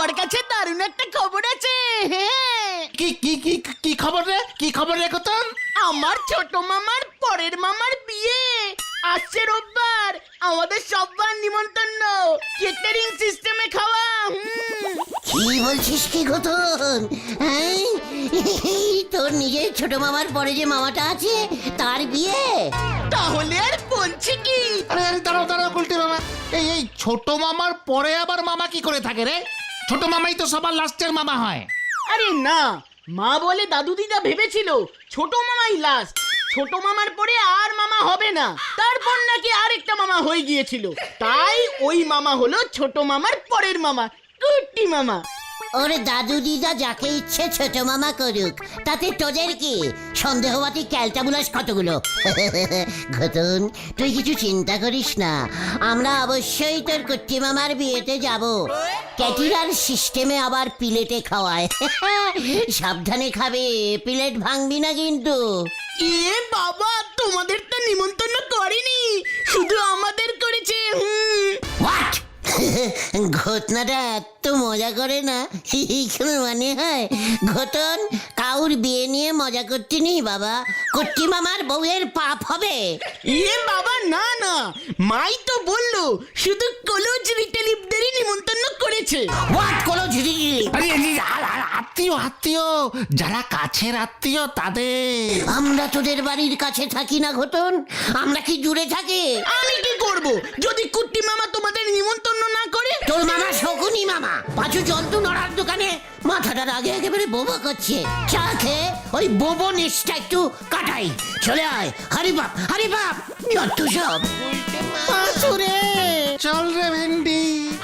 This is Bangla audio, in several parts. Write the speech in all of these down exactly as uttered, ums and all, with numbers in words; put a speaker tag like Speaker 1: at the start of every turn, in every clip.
Speaker 1: আমার কাছে দারুণ একটা খবর আছে। হ্যাঁ,
Speaker 2: কি কি কি কি খবর রে? কি খবর রে কতন?
Speaker 1: আমার ছোট মামার পরের মামার বিয়ে আসছে রোববার। আমাদের সবার নিমন্ত্রণ, কেটারিং সিস্টেমে খাওয়া। হুম।
Speaker 3: কি বলছিস কি ঘটন? হ্যাঁ, তোর নিজের ছোট মামার পরে যে মামাটা আছে তার বিয়ে?
Speaker 1: তাহলে আর বলছি কি?
Speaker 2: আরে আরে দাঁড়াও দাঁড়াও গুলটে মামা, এই এই ছোট মামার পরে আবার মামা কি করে থাকে রে? ছোট মামাই তো সবার লাস্টের মামা হয়।
Speaker 1: আরে না, মা বলে দাদু দিদা ভেবেছিল ছোট মামাই লাস্ট, ছোট মামার পরে আর মামা হবে না। তারপর নাকি আরেকটা মামা হয়ে গিয়েছিল, তাই ওই মামা হলো ছোট মামার পরের মামা, কুট্টি মামা।
Speaker 3: ওরে দাদু দিদা যাকে ইচ্ছে ছোট মামা করুক, তাতে তোদের কি? সন্দেহবাদী ক্যালটাবুলাস কতগুলো। ঘটন, তুই কিছু চিন্তা করিস না, আমরা অবশ্যই তোর কুট্টি মামার বিয়েতে যাব। ক্যাটিরার সিস্টেমে আবার প্লেটে খাওয়ায়। সাবধানে খাবে, প্লেট ভাঙবি না কিন্তু।
Speaker 1: এ বাবা, তোমাদের তো নিমন্ত্রণ করেনি, শুধু আমাদের করেছে। হুম।
Speaker 3: হোয়াট? ঘটনাটা এত মজা করে না, কোনো মানে হয়? ঘটন, কাউর বিয়ে নিয়ে মজা করতে নেই বাবা, কুট্টি মামার বউয়ের পাপ হবে।
Speaker 1: এ বাবা না না, মাই তো বললো শুধু কলেজ রিটেলিভদেরই নিমন্ত্রণ করেছে।
Speaker 3: হোয়াট কলো ঝিরি?
Speaker 2: আরে এই আর- আর আত্মীয় আত্মীয় যারা কাছের আত্মীয় তাদের।
Speaker 3: আমরা তোদের বাড়ির কাছে থাকি না ঘটন, আমরা কি দূরে থাকি?
Speaker 1: আমি কি করব যদি কুট্টি মামা তোমাদের নিমন্ত্রণ না করে?
Speaker 3: তোর মামা শকুনি মামা পাঁচু জন্তু নড়ার দোকানে মাথাটার আগে একেবারে বোবো করছে। চা খেয়ে ওই বোবো নিচটা একটু কাটাই। চলে আয়, হারি বাপ হারি বাপ, যত সব।
Speaker 2: পাঁচুরে চল রে ভেন্ডি।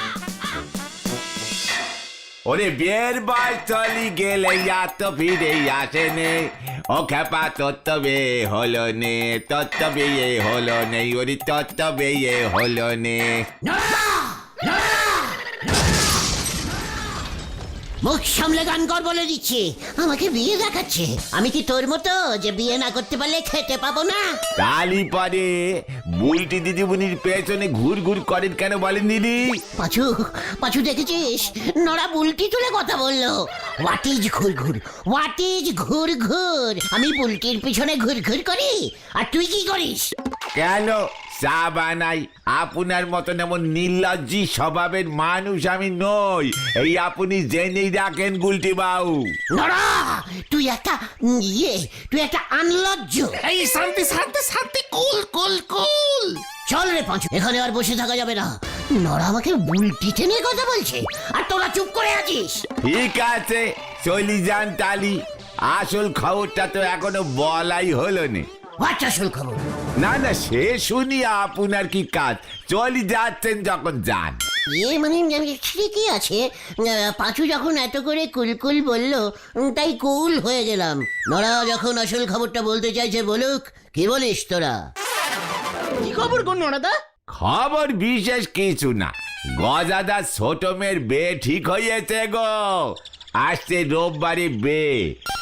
Speaker 4: ওরে বিয়ের বয়স চলি গেলে আর তো ফিরে আসেনে, ও খেপা তত্ত্ব বিয়ে হলো নে, তত্ত্ব বিয়ে হলো নেই, ওরে তত্ত্ব বিয়ে হলো নে।
Speaker 3: মুখ সামলে গান কর বলে দিচ্ছি, আমাকে বিয়ে দেখাচ্ছে। আমি কি তোর মতো যে বিয়ে না করতে পারলে খেতে পাবো না?
Speaker 4: তালি পরে বুলটি দিদিমণির পেছনে ঘুর ঘুর করেন কেন বলেন দিদি?
Speaker 3: পাঁচু পাঁচু দেখেছিস, নড়া বুলটি তুলে কথা বললো। হোয়াট ইজ ঘুর ঘুর? হোয়াট ইজ ঘুর ঘুর? আমি বুলটির পিছনে ঘুর ঘুর করি, আর তুই কি করিস?
Speaker 4: কেন চা বানাই? আপনার মতন এমন নির্লজ্জি স্বভাবের মানুষ আমি নই, এই আপনি জেনেই রাখেন গুলটি বাবু।
Speaker 3: নড়া, তুই একটা উম, ইয়ে তুই একটা আনলজ্জ।
Speaker 2: এই শান্তি শান্তি শান্তি, কুল কুল কুল।
Speaker 3: চল রে পাঁচু, এখানে আর বসে থাকা যাবে না। নড়া আমাকে বুলটি টেনে কথা বলছে, আর তোরা চুপ করে আছিস।
Speaker 4: ঠিক আছে, চলি যান তালি। আসল খবরটা তো এখনো বলাই হলো না।
Speaker 3: বাচ্চা শুল খবর।
Speaker 4: না না, সে শুনি আপনার কি কাজ, চলি যাচ্ছেন যখন যান।
Speaker 3: ইয়ে মানে ঠিকই আছে, আহ, পাঁচু যখন এত করে কুলকুল বললো, উম, তাই কুল হয়ে গেলাম। নড়া যখন আসল খবরটা বলতে চাইছে বলুক, কি বলিস তোরা?
Speaker 1: কি খবর গো নড়াদা?
Speaker 4: খবর বিশেষ কিছু না, গজাদার ছোট মেয়ের বিয়ে ঠিক হয়েছে গো, আসছে রোববারে বিয়ে।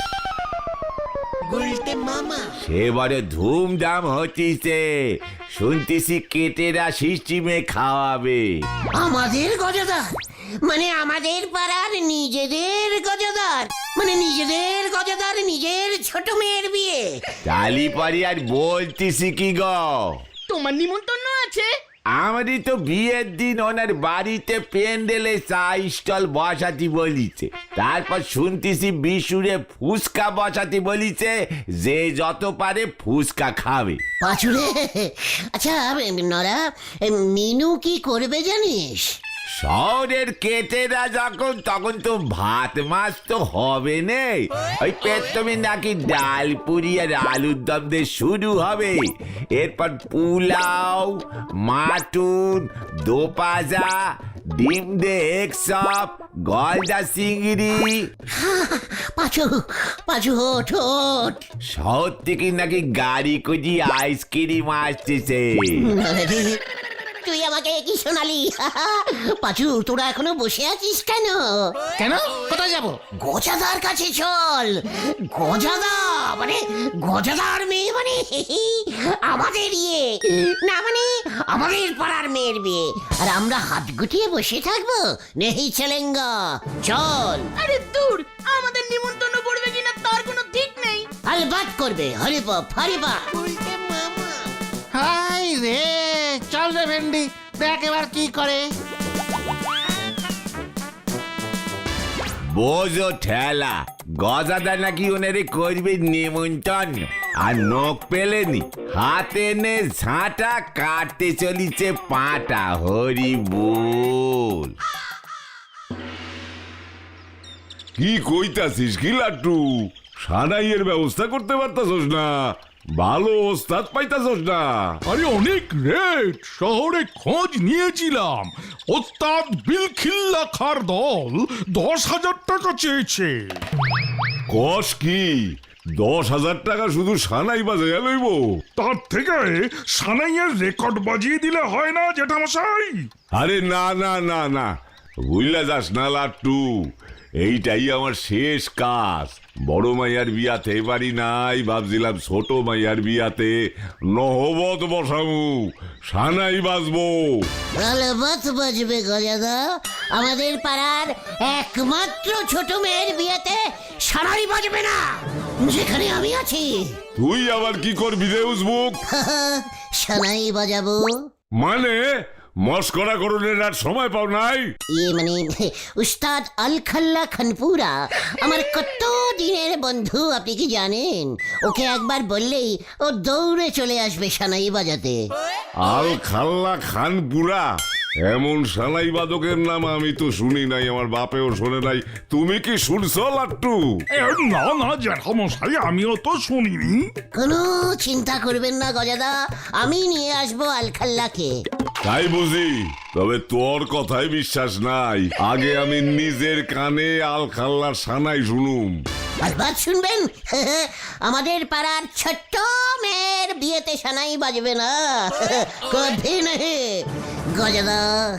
Speaker 4: সে বড় ধুমধাম হচ্ছে, শুনতেছি কেটেরা সিস্টেমে খাওয়াবে।
Speaker 3: আমাদের গজাদার মানে আমাদের পাড়ার নিজেদের গজাদার, মানে নিজেদের গজাদার নিজের ছোট মেয়ের বিয়ে।
Speaker 4: তালি পারি আর বলতেছি কি গো,
Speaker 1: তোমার নিমন্ত্রণ আছে?
Speaker 4: আমারই তো বিয়ের দিন ওনার বাড়িতে প্যান্ডেলে চা স্টল বসাতে বলিছে, তারপর শুনতেছি বিশুরে ফুচকা বসাতে বলিছে, যে যত পারে ফুচকা খাবে।
Speaker 3: পাঁচুরে, আচ্ছা নরা, মিনু কি করবে জানিস?
Speaker 4: শহরের কেটেরা যখন তখন তো ভাত মাছ তো হবে নে, ওই পেট্রমে নাকি ডাল পুরি আর আলুর দম দিয়ে শুরু হবে, এরপর পোলাও, মাটন, দোপাজা, ডিম দে এক সব, গলদা চিংড়ি।
Speaker 3: পাঁচু পাঁচু ওঠ ওঠ।
Speaker 4: শহর থেকে নাকি গাড়ি খুঁজি আইসক্রিম আসতেছে।
Speaker 3: তুই আমাকে কি শোনালি? পাঁচু, তোরা এখনো বসে আছিস কেন?
Speaker 2: কেন? কোথায় যাব?
Speaker 3: গজাদার কাছে চল। গজাদা মানে গজাদার মেয়ে মানে আমাদের ইয়ে না মানে আমাদের পাড়ার মেয়ের বিয়ে, আর আমরা হাত গুটিয়ে বসে থাকবো? নেহি চলেঙ্গা, চল।
Speaker 1: আরে দূর, আমাদের নিমন্ত্রণ করবে কিনা তার কোনো ঠিক নেই।
Speaker 3: আলবাত করবে, হরিবাপ হরিবাপ।
Speaker 2: হাই রে, চল রে ভেন্ডি, দেখ এবার কি করে।
Speaker 4: বোঝো ঠেলা, গজাদা নাকি ওনারে করবে নিমন্ত্রণ, আর নখ পেলেনি, হাতে নে ঝাঁটা, কাটতে চলিছে পাটা। হরি বল।
Speaker 5: কি কইতাছিস কি লাট্টু? সানাইয়ের ব্যবস্থা করতে পারতাছস না? ভালো ওস্তাদ পাইতাছস না?
Speaker 6: আরে অনেক রেট, শহরে খোঁজ নিয়েছিলাম। ওস্তাদ বিলখিল্লা খার দল দশ হাজার টাকা চেয়েছে।
Speaker 5: কস কি দশ হাজার টাকা শুধু সানাই বাজাইয়া লইব?
Speaker 6: তার থেকে সানাইয়ের রেকর্ড বাজিয়ে দিলে হয় না জেঠামশাই?
Speaker 5: আরে না না না না, বুঝলা যাস না লাট্টু, এইটাই আমার শেষ কাজ। বড় মাইয়ার বিয়াতে পারি নাই, ভাবছিলাম ছোট মাইয়ার বিয়াতে নহবত বসামু, সানাই বাজবো।
Speaker 3: আলবাত বাজবে গজাদা, আমাদের পাড়ার একমাত্র ছোট মেয়ের বিয়েতে সারাই বাজবে না, যেখানে আমি আছি।
Speaker 5: তুই আবার কি করবি রে উজবুক?
Speaker 3: সানাই বাজাবো।
Speaker 5: মানে মস্করা করণের আর সময় পাও নাই?
Speaker 3: ইয়ে মানে উস্তাদ আলখাল্লা খানপুরা আমার কত দিনের বন্ধু, আপনি কি জানেন? ওকে একবার বললেই ও দৌড়ে চলে আসবে সানাই বাজাতে।
Speaker 5: আল খাল্লা খানপুরা, এমন সানাই বাদকের নাম আমি তো শুনি নাই, আমার বাপেও শোনে নাই। তুমি কি শুনছো লাট্টু?
Speaker 6: এ, না না জেঠামশাই, আমিও তো শুনিনি।
Speaker 3: কোনো চিন্তা করবেন না গজাদা, আমি নিয়ে আসবো আলখাল্লাকে।
Speaker 5: তাই বুঝি? তবে তোর কথাই বিশ্বাস নাই, আগে আমি নিজের কানে আল খাল্লার সানাই শুনুম।
Speaker 3: আলবাত শুনবেন, আমাদের পাড়ার ছোট্ট মেয়ের বিয়েতে সানাই বাজবে না, কবে নেই। গজাদা,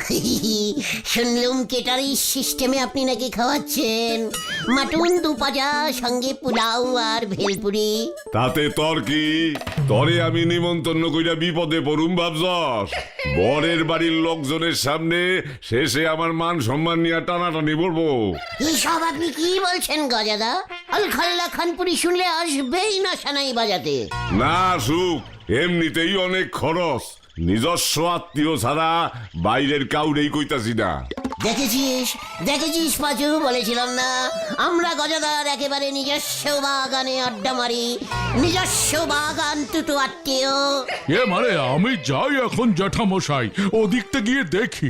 Speaker 3: শুনলুম কেটারি সিস্টেমে আপনি নাকি খাওয়াচ্ছেন মাটুন দু পাজা, সঙ্গে পোলাও আর ভেলপুরি।
Speaker 5: তাতে তোর কি? তরে আমি নিমন্ত্রণ কইরা বিপদে পড়ুম ভাবছস? বরের বাড়ির লোকজনের সামনে শেষে আমার মান সম্মান নিয়ে টানাটানি পড়বো।
Speaker 3: এইসব আপনি কি বলছেন গজাদা? আলখাল্লা খানপুরি শুনলে আসবেই না সানাই বাজাতে।
Speaker 5: না সুখ, এমনিতেই অনেক খরচ, নিজস্ব আত্মীয় ছাড়া বাইরের কাউরেই কইতাছি না।
Speaker 3: দেখেছিস দেখেছিস পাচু, বলেছিলাম না আমরা গজাদার একেবারে নিজস্ব বাগানে আড্ডা মারি, নিজস্ব বাগান দুটো আত্মীয়।
Speaker 6: এ মানে আমি যাই এখন জেঠামশাই, ওদিকতে গিয়ে দেখি।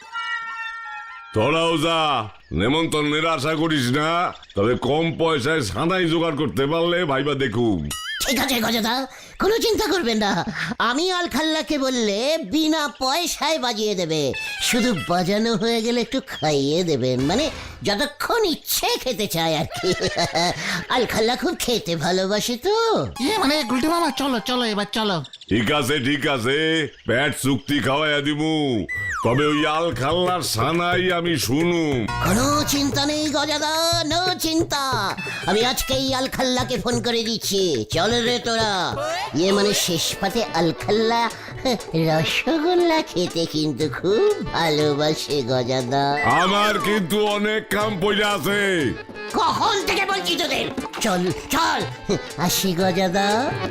Speaker 5: তোরাও যা, নেমন্তন্নের আশা করিস না, তবে কম পয়সায় সানাই জোগাড় করতে পারলে ভাইবা দেখুম।
Speaker 3: ঠিক আছে গজাদা, কোনো চিন্তা করবেন না, আমি আলখাল্লাকে বললে বিনা পয়সায় বাজিয়ে দেবে, শুধু বাজানো হয়ে গেলে একটু খাইয়ে দেবেন, মানে যতক্ষণ ইচ্ছে খেতে চায় আর কি। আলখাল্লা খুব খেতে ভালোবাসে তো।
Speaker 2: ইয়ে মানে গুলটি মামা, চলো চলো এবার চলো।
Speaker 5: ঠিক আছে ঠিক আছে, পেট চুক্তি খাওয়াইয়া দিমু, তবে ওই আল খাল্লার সানাই আমি শুনুম।
Speaker 3: কোনো চিন্তা নেই গজাদা, নো চিন্তা, আমি আজকেই আলখাল্লাকে ফোন করে দিচ্ছি। চল রে তোরা। ইয়ে মানে শেষ পাতে আলখাল্লা রসগোল্লা খেতে কিন্তু খুব ভালোবাসে গজাদা।
Speaker 5: আমার কিন্তু অনেক কাম পড়ে আছে।
Speaker 3: কখন থেকে বলছি তোদের, চল চল, আসি গজাদা।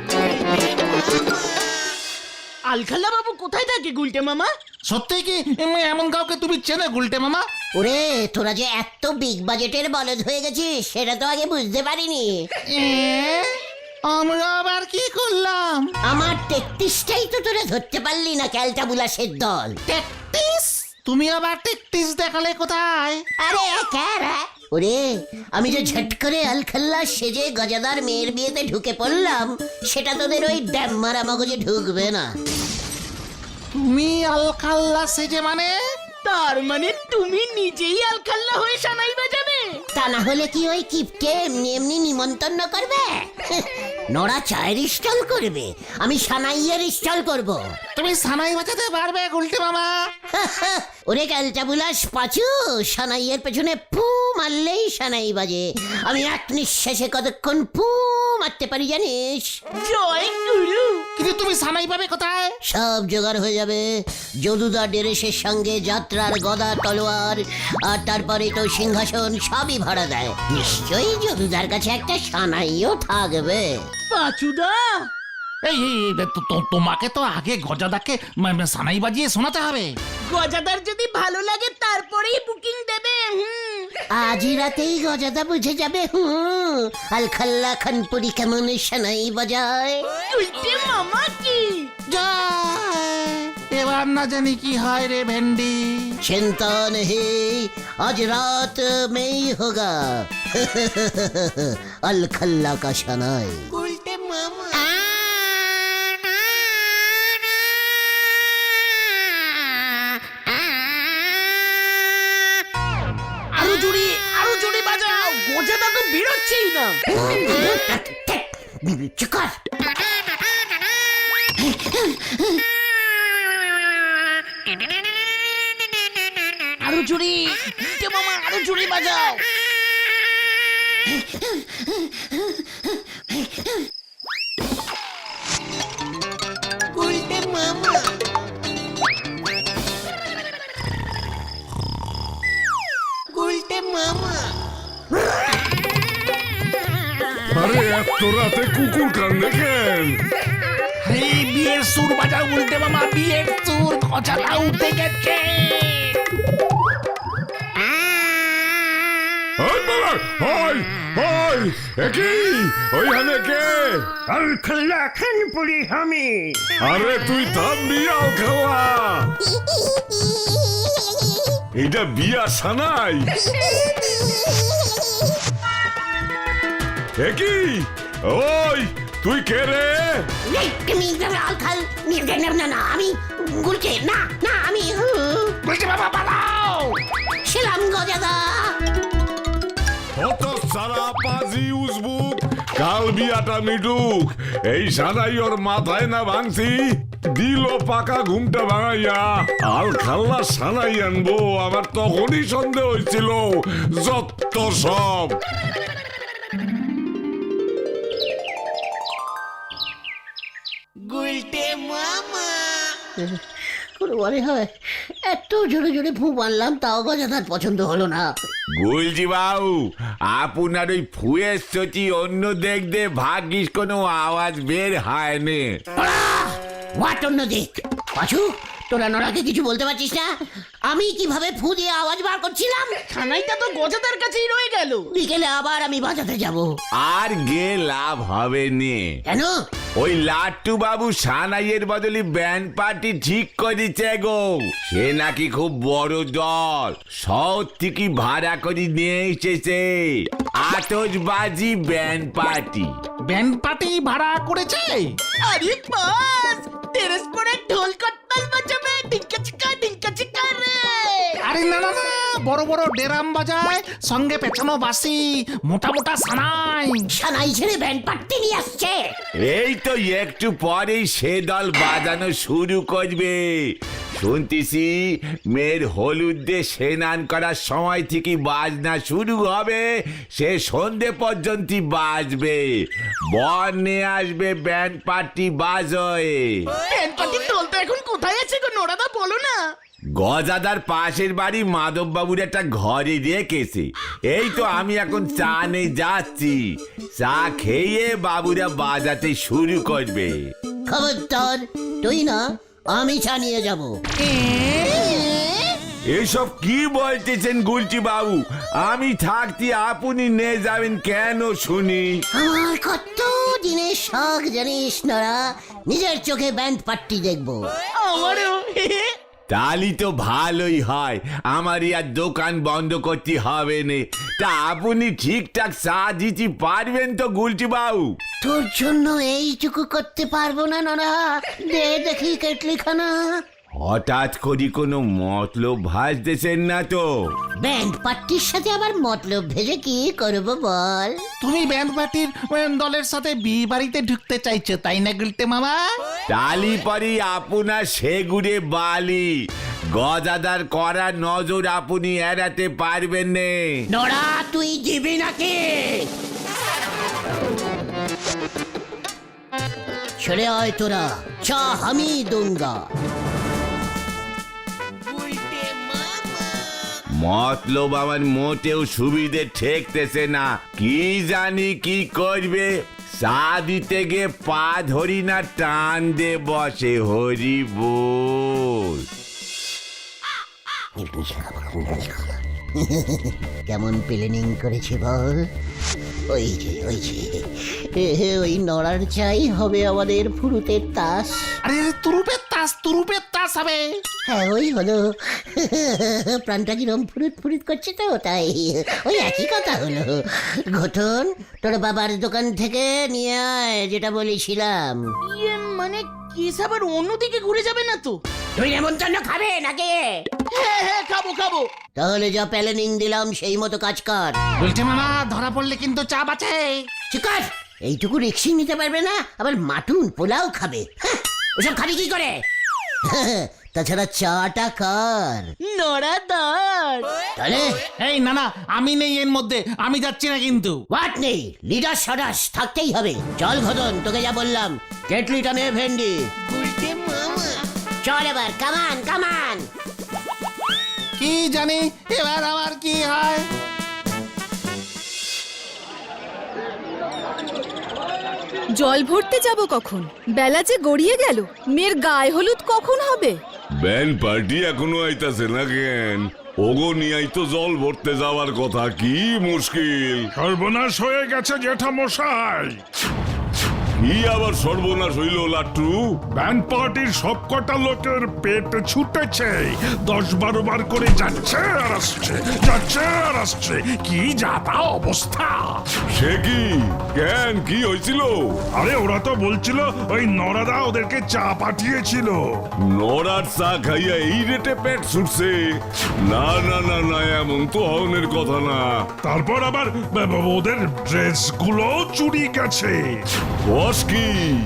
Speaker 1: আলখাল্লা বাবু কোথায় থাকে গুলটে মামা?
Speaker 2: সত্যি কি এম, এমন কাউকে তুমি চেনো গুলটে মামা?
Speaker 3: ওরে তোরা যে এত বিগ বাজেটের বলদ হয়ে গেছিস সেটা তো আগে বুঝতে পারিনি।
Speaker 2: এ, আমরা আবার কি করলাম?
Speaker 3: আমার তেত্রিশটাই তো তোরা ধরতে পারলি না, ক্যালটা বুলাসের দল।
Speaker 2: তেত্রিশ? তুমি আবার তেত্রিশ দেখালে কোথায়?
Speaker 3: আরে ক্যারা, ওরে আমি যে ঝট করে আলখাল্লা সেজে গজাদার মেয়ের বিয়েতে ঢুকে পড়লাম, সেটা তোদের ওই ড্যাম মারা মগজে ঢুকবে না।
Speaker 2: তুমি আলখাল্লা সেজে মানে?
Speaker 1: তার মানে তুমি নিজেই আলখাল্লা হয়ে সানাই বাজাবে?
Speaker 3: তা না হলে কি ওই কিপকে এমনি এমনি নিমন্ত্রণ করবে? নোরা চায়ের স্টল করবে, আমি সানাইয়ের স্টল করব।
Speaker 2: তুমি সানাই বাজাতে পারবে গুলটে মামা?
Speaker 3: ওরে ক্যালটা বুলাস পাচু, সানাইয়ের পেছনে ফু মারলেই সানাই বাজে। আমি এক নিঃশ্বাসে কতক্ষণ ফু মারতে পারি জানিস?
Speaker 1: জয় গুরু।
Speaker 2: কিন্তু তুমি সানাই পাবে কোথায়?
Speaker 3: সব জোগাড় হয়ে যাবে। যদুদা ডেরেসের সঙ্গে যাত্রার গদা তলোয়ার আর তারপরে তো সিংহাসন সবই ভাড়া দেয়। নিশ্চয়ই যদুদার কাছে একটা সানাইও থাকবে।
Speaker 1: পাচুদা,
Speaker 2: এই এই, এই, তো- তো- তোমাকে তো আগে গজাদাকে মা- মা- সানাই বাজিয়ে শোনাতে হবে।
Speaker 1: গজাদার যদি ভালো লাগে তারপরেই বুকিং দেবে। হুম।
Speaker 3: আজই রাতেই গজাদা বুঝে যাবে। হুম, আলখাল্লা খানপুরি কেমন সানাই বাজায়।
Speaker 1: উল্টে মামা কি?
Speaker 2: জয়! এবার না জানি কি হয় রে ভেন্ডি।
Speaker 3: चिंता नहीं, आज रात में ही होगा। अलखल्ला का शनाई।
Speaker 1: আরো জোরে, আরো জোরে বাজাও, গজাদা তো বেরোচ্ছেই না।
Speaker 3: চুকার।
Speaker 1: আরো জোরে, উল্টে মামা আরো জোরে বাজাও।
Speaker 5: আরে এত রাতে কুকুর কান্দে কেন?
Speaker 2: এই বিয়ের সুর বাজাও গুলটে মামা, বিয়ের সুর। গজাদা উঠে গেছে।
Speaker 5: ওই বাবা, ওই, ওই, এ কি? ওইখানে কে?
Speaker 7: আলখাল্লা খানপুরি আমি।
Speaker 5: আরে তুই থামবি আলখাল্লা। এটা বিয়া সানাই। এ কি? ওই, তুই কে রে?
Speaker 3: আলখাল না না আমি গুলছে না না আমি
Speaker 2: গুলটে মামা পালাও।
Speaker 3: ছিলাম গজাদা।
Speaker 5: কত সারা পাজি উজবুক, কাল বিয়াটা মিটুক। এই সানাই ওর মাথায় না ভাঙছি, দিল পাকা ঘুমটা ভাঙাইয়া। আল খাল্লা সানাই আনবো, আমার তখনই সন্দেহ হয়েছিল। যত সব
Speaker 3: কোনো মনে হয় এত জোরে জোরে ফু মারলাম তাও গজাদার পছন্দ হলো না।
Speaker 4: গুলজি বাবু, আপনার ওই ফুয়ের সচি অন্য দেখতে ভাগ্যিস কোনো আওয়াজ বের হয়নি।
Speaker 3: হোয়াট অন্য দিক? পাছু, তোরা নোরাকে কিছু বলতে পারছিস না? আমি কিভাবে ফু দিয়ে আওয়াজ বার করছিলাম?
Speaker 1: খানাইটা তো গজাদার কাছেই রয়ে গেল।
Speaker 3: বিকেলে আবার আমি বাজাতে যাব।
Speaker 4: আর গে লাভ হবে নে।
Speaker 3: কেন?
Speaker 4: ওই লাট্টু বাবু সানাইয়ের বদলে ব্যান্ড পার্টি ঠিক করেছে গো। সে নাকি খুব বড় দল, শহর থেকে ভাড়া করে নিয়ে এসেছে। আতশবাজি ব্যান্ড পার্টি।
Speaker 2: ব্যান্ড পার্টি ভাড়া করেছে?
Speaker 1: আরে বাস, টেরেস পরে ঢোল কট্টাল বাজাবে, ডিঙ্কা চিকা ডিঙ্কা চিকা রে।
Speaker 2: আরে না না না, বড় বড় ডেরাম বাজায়, সঙ্গে পেছনো বাসি, মোটা মোটা সানাই।
Speaker 3: সানাই ছেড়ে ব্যান্ড পার্টি নিয়ে আসছে।
Speaker 4: এই তো একটু পরেই সে দল বাজানো শুরু করবে। শুনতেছি মেয়ের হলুদে স্নান করার সময় থেকে বাজনা শুরু হবে, সে সন্ধে পর্যন্ত বাজবে। বর নিয়ে আসবে ব্যান্ড পার্টি বাজয়ে।
Speaker 1: ব্যান্ড পার্টির ঢোল তো এখন কোথায় আছে গো নোরাদা, বলো না।
Speaker 4: গজাদার পাশের বাড়ি মাধব বাবুর একটা ঘরে রেখেছে। এই তো আমি এখন চা নিয়ে যাচ্ছি, চা খেয়ে বাবুরা বাজাতে শুরু করবে।
Speaker 3: খবরদার, তুই না আমি জানিয়ে যাব।
Speaker 4: এসব কি বলতেছেন গুলটি বাবু? আমি থাকতে আপনি নিয়ে যাবেন কেন শুনি?
Speaker 3: আমার কত দিনের শখ জানিস নরা, নিজের চোখে ব্যান্ড পার্টি দেখবো।
Speaker 1: আমারও।
Speaker 4: তালি তো ভালোই হয়, আমার আর দোকান বন্ধ করতে হবে না। তা আপনি ঠিকঠাক চা দিতে পারবেন তো গুলটি বাবু?
Speaker 3: তোর জন্য এইটুকু করতে পারবো না নরা, দে দেখি কেটলি খানা।
Speaker 4: হঠাৎ করে কোনো মতলব ভাসতেছেন না তো?
Speaker 3: ব্যান্ড পার্টির সাথে আবার মতলব ভেজে কি করব বল?
Speaker 2: তুমি ব্যান্ড পার্টির উম, দলের সাথে বিয়ে বাড়িতে ঢুকতে চাইছো তাই না গুলটে মামা?
Speaker 4: টালি পারি আপনার সেগুড়ে বালি, গদাদার করা নজর আপনি এড়াতে পারবেন নে।
Speaker 3: নোরা তুই দিবি নাকি? ছেড়ে আয় তোরা, চা আমি দুঙ্গা।
Speaker 4: মতলব আমার মোটেও সুবিধে ঠেকতেছে না, কি জানি কি করবে। চা দিতে গিয়ে পা ধরি না টান দে বসে, হরি বল।
Speaker 3: কেমন প্ল্যানিং করেছি বল? ওই যে ওই যে এ, ওই নড়ার চাই হবে আমাদের ফুরুতের তাস।
Speaker 2: আরে তুরুপের তাস তুরুপের তাস হবে।
Speaker 3: হ্যাঁ ওই হলো। প্রাণটা কিরম ফুরুত ফুরুত করছে তো তাই ওই একই কথা হলো। ঘটন তোর বাবার দোকান থেকে নিয়ে আয় যেটা বলেছিলাম।
Speaker 1: ইয়ে মানে কেস আবার অন্যদিকে ঘুরে যাবে না তো?
Speaker 3: তুই নেমন্তন্ন খাবে নাকি?
Speaker 1: হ্যাঁ হ্যাঁ খাবো খাবো।
Speaker 3: তাহলে যা প্ল্যানিং দিলাম সেই মতো কাজ কর।
Speaker 2: গুলটে মামা ধরা পড়লে কিন্তু চা বাঁচে।
Speaker 3: ঠিক আছে, এইটুকু রিক্সি নিতে পারবে না, আবার মাটুন পোলাও খাবে। হ্যাঁ, ওসব খাবি কি করে? তাছাড়া চাটা কার?
Speaker 1: নড়াদার।
Speaker 3: তাহলে
Speaker 2: এই না না আমি নেই এর মধ্যে, আমি যাচ্ছি না কিন্তু।
Speaker 3: হোয়াট নেই, লিডার সদাস থাকতেই হবে। চল ঘদন, তোকে যা বললাম কেটলিটা নে ভেন্ডি। চল এবার, কামান কামান।
Speaker 2: কি জানি এবার আমার কি হয়।
Speaker 8: জল ভরতে যাব কখন? বেলা যে গড়িয়ে গেল, মেয়ের গায়ে হলুদ কখন হবে?
Speaker 5: ব্যান্ড পার্টি এখনো আইতাছে না কেন? ওগো নিয়াই তো জল ভরতে যাওয়ার কথা, কি মুশকিল।
Speaker 6: সর্বনাশ হয়ে গেছে জেঠামশাই।
Speaker 5: কি আবার সর্বনাশ হইল লাট্টু?
Speaker 6: ব্যান্ড পার্টির সবকটা লোকের পেট ছুটেছে, দশ বারো বার করে যাচ্ছে আর আসছে, যাচ্ছে আর আসছে, কি যাতা অবস্থা।
Speaker 5: সে কি? কেন কি হয়েছিল?
Speaker 6: আরে ওরা তো বলছিল ওই নরাদা ওদেরকে চা পাঠিয়েছিল।
Speaker 5: নড়ার চা খাইয়া এই রেটে পেট ছুটছে? না না না না, এমন তো হওয়ার কথা না।
Speaker 6: তারপর আবার ব- ব- ওদের ড্রেস গুলো চুরি গেছে।
Speaker 5: বস কি?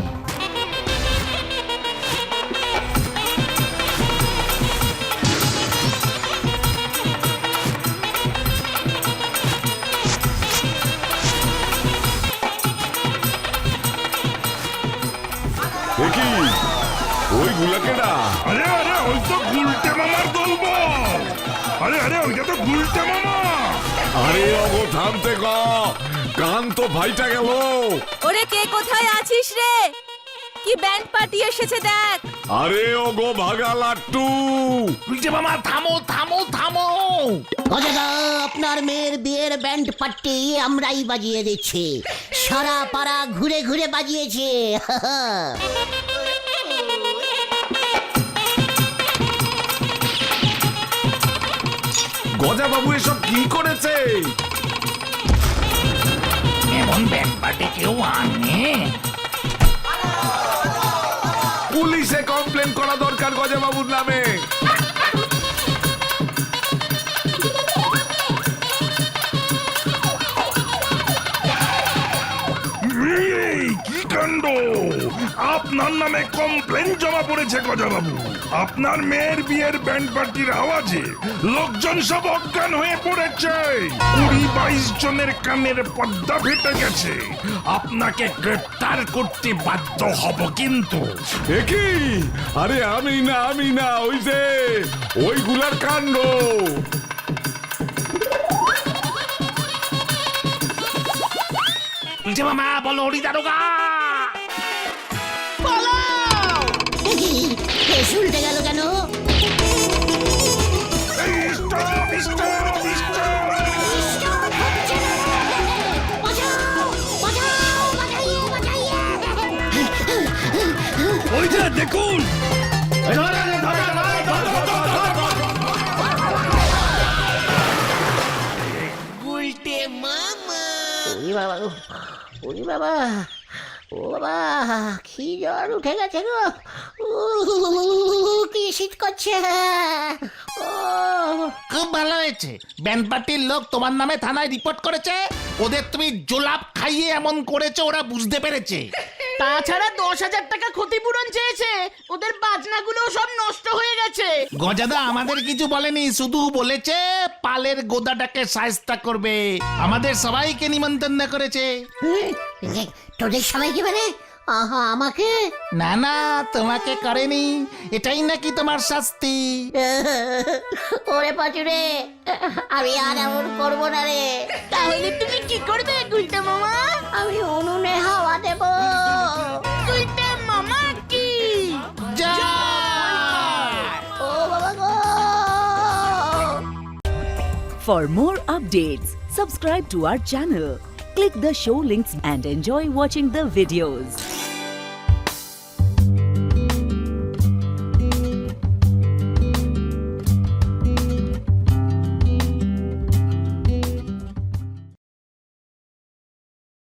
Speaker 5: এ কি? ওই গুলাকেটা?
Speaker 6: আরে আরে ওই তো গুলটে মামার দলবল। আরে আরে ওইটা তো গুলটে মামা।
Speaker 5: আরে অগো থামতে গ, কান তো ভাইটা গেল।
Speaker 8: ওরে কে কোথায় আছিস রে? কি ব্যান্ড পার্টি এসেছে দেখ।
Speaker 5: আরে ওগো ভাগা লাট্টু।
Speaker 2: গুলটে মামা থামো থামো থামো।
Speaker 3: অজাদা আপনার মেয়ের বিয়ের ব্যান্ড পার্টি আমরাই বাজিয়ে দিচ্ছি। সারা পাড়া ঘুরে ঘুরে বাজিয়েছে।
Speaker 5: গজা বাবু এসব কি করেছে?
Speaker 2: এমন ব্যান্ড পার্টি কেউ আনে?
Speaker 5: পুলিশে কমপ্লেন করা দরকার গজা বাবুর নামে।
Speaker 6: এই, কি কাণ্ড! আপনার নামে কমপ্লেন জমা পড়েছে গজাবাবু। আপনার মেয়ের বিয়ের ব্যান্ড পার্টির আওয়াজে লোকজন সব অজ্ঞান হয়ে পড়েছে। কুড়ি বাইশ জনের কানের পর্দা ফেটে গেছে। আপনাকে গ্রেপ্তার করতে বাধ্য হব কিন্তু।
Speaker 5: এ কি? আরে আমি না আমি না, ওই যে ওইগুলার কাণ্ড।
Speaker 2: গুলটে মামা বলো হরি দারোগা।
Speaker 3: উল্টে গেল কেন?
Speaker 6: এই, stop, stop, stop! ওইটা দেখুন।
Speaker 3: ওরে বাবা, ওরে বাবা, ও বাবা কি জ্বর উঠে গেছে গো উহ, কি শীত করছে ও
Speaker 2: খুব ভালো হয়েছে ব্যান্ড পার্টির লোক তোমার নামে থানায় রিপোর্ট করেছে ওদের তুমি জোলাপ খাইয়ে এমন করেছো ওরা বুঝতে পেরেছে
Speaker 1: তাছাড়া দশ হাজার টাকা ক্ষতিপূরণ চেয়েছে, ওদের বাজনাগুলো সব নষ্ট হয়ে গেছে।
Speaker 2: গজাদা আমাদের কিছু বলেনি, শুধু বলেছে পালের গোদাটাকে সায়স্তা করবে। আমাদের সবাইকে নিমন্ত্রণ করেছে।
Speaker 3: এ, তোদের সবাইকে মানে আহা আমাকে
Speaker 2: না না তোমাকে করেনি, এটাই নাকি তোমার শাস্তি।
Speaker 3: ওরে পাচুরে আমি আর এমন করবো না রে।
Speaker 1: তাহলে তুমি কি করবে গুলটে মামা?
Speaker 3: আমি উনুনে হাওয়া দেবো।
Speaker 1: গুলটে মামা কি
Speaker 2: যা
Speaker 3: ও বাবা গো।
Speaker 9: For more updates, subscribe to our channel, click the show links and enjoy watching the videos.